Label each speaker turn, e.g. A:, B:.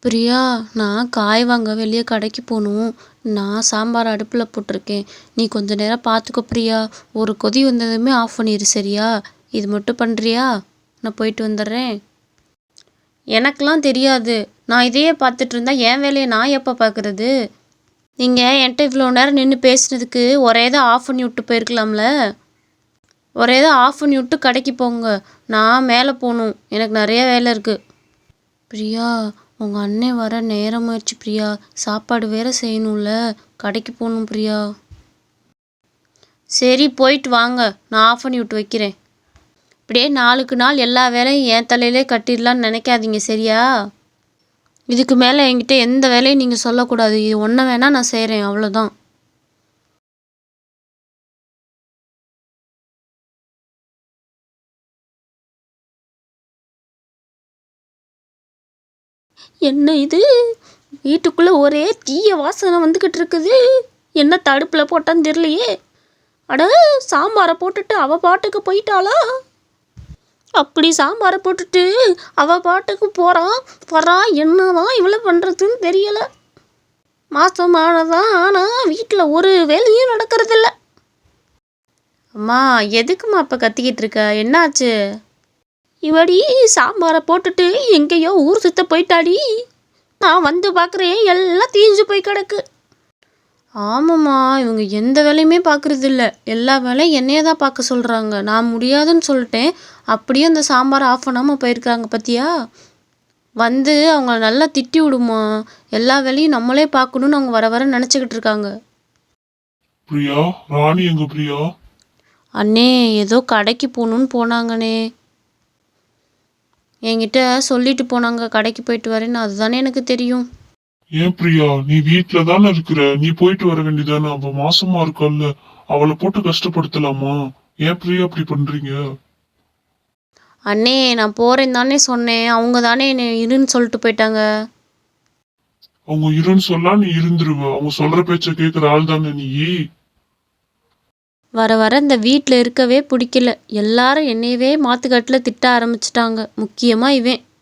A: பிரியா, நான் காய் வாங்க வெளியே கடைக்கு போகணும். நான் சாம்பார் அடுப்பில் போட்டிருக்கேன். நீ கொஞ்ச நேரம் பார்த்துக்கோ பிரியா. ஒரு கொதி வந்ததுமே ஆஃப் பண்ணிடு சரியா? இது மட்டும் பண்ணுறியா? நான் போயிட்டு வந்துடுறேன். எனக்கெலாம் தெரியாது. நான் இதையே பார்த்துட்டு இருந்தா என் வேலையை நான் எப்போ பார்க்குறது? நீங்கள் என்கிட்ட இவ்வளோ நேரம் நின்று பேசுனதுக்கு ஒரே தான் ஆஃப் பண்ணி விட்டு போயிருக்கலாம்ல. ஒரே தான் ஆஃப் பண்ணி விட்டு கடைக்கு போங்க. நான் மேலே போகணும். எனக்கு நிறைய வேலை இருக்குது. பிரியா, உங்கள் அண்ணன் வர நேரமாயிடுச்சு பிரியா. சாப்பாடு வேற செய்யணும்ல. கடைக்கு போகணும் பிரியா. சரி போயிட்டு வாங்க. நான் ஆஃப் பண்ணி விட்டு வைக்கிறேன். இப்படியே நாளுக்கு நாள் எல்லா வேலையும் என் தலையிலே கட்டிடலான்னு நினைக்காதீங்க சரியா? இதுக்கு மேலே என்கிட்ட எந்த வேலையும் நீங்கள் சொல்லக்கூடாது. இது ஒன்றை வேணால் நான் செய்கிறேன், அவ்வளோதான். என்ன இது? வீட்டுக்குள்ளே ஒரே தீய வாசனை வந்துக்கிட்டு இருக்குது. என்ன தடுப்பில் போட்டான்னு தெரியலையே. அட, சாம்பாரை போட்டுட்டு அவள் பாட்டுக்கு போயிட்டாளா? அப்படி சாம்பாரை போட்டுட்டு அவள் பாட்டுக்கு போகிறான் வரான். என்னதான் இவ்வளோ பண்ணுறதுன்னு தெரியலை. மாதமானதான் ஆனால் வீட்டில் ஒரு வேலையும் நடக்கிறதில்ல. அம்மா, எதுக்குமா அப்போ கத்திக்கிட்டு இருக்க? என்னாச்சு? இவடி சாம்பாரை போட்டுட்டு எங்கேயோ ஊர் சுத்த போயிட்டாடி. நான் வந்து பார்க்குறேன், எல்லாம் தீஞ்சு போய் கிடக்கு. ஆமாம்மா, இவங்க எந்த வேலையுமே பார்க்குறது இல்லை. எல்லா வேலையும் என்னையே தான் பார்க்க சொல்கிறாங்க. நான் முடியாதுன்னு சொல்லிட்டேன். அப்படியே அந்த சாம்பாரை ஆஃப் பண்ணாமல் போயிருக்காங்க பார்த்தியா? வந்து அவங்கள நல்லா திட்டி விடுமா. எல்லா வேலையும் நம்மளே பார்க்கணுன்னு அவங்க வர வர நினச்சிக்கிட்டு இருக்காங்க.
B: பிரியா, ராணி எங்க பிரியா?
A: அண்ணே, ஏதோ கடைக்கு போகணுன்னு போனாங்கண்ணே. என்கிட்ட சொல்லிட்டு போனாங்க கடைக்கு போயிட்டு வரேன்னு. அதுதானே எனக்கு தெரியும்.
B: ஏன் பிரியா, நீ வீட்டுல தானே இருக்கிற, நீ போயிட்டு வர வேண்டியதானே? அவ மாசமா இருக்கால்ல, அவளை போட்டு கஷ்டப்படுத்தலாமா? ஏன் பிரியா அப்படி பண்றீங்க?
A: அண்ணே, நான் போறேன்னு தானே சொன்னேன். அவங்க தானே என்ன இருன்னு சொல்லிட்டு போயிட்டாங்க.
B: அவங்க இருன்னு சொல்லா நீ இருந்துருவ. அவங்க சொல்ற பேச்ச கேக்குற ஆள் தானே நீ.
A: வர வர இந்த வீட்டில் இருக்கவே பிடிக்கல. எல்லாரும் என்னையவே மாத்துக்கட்டில் திட்ட ஆரம்பிச்சிட்டாங்க. முக்கியமாக இவன்.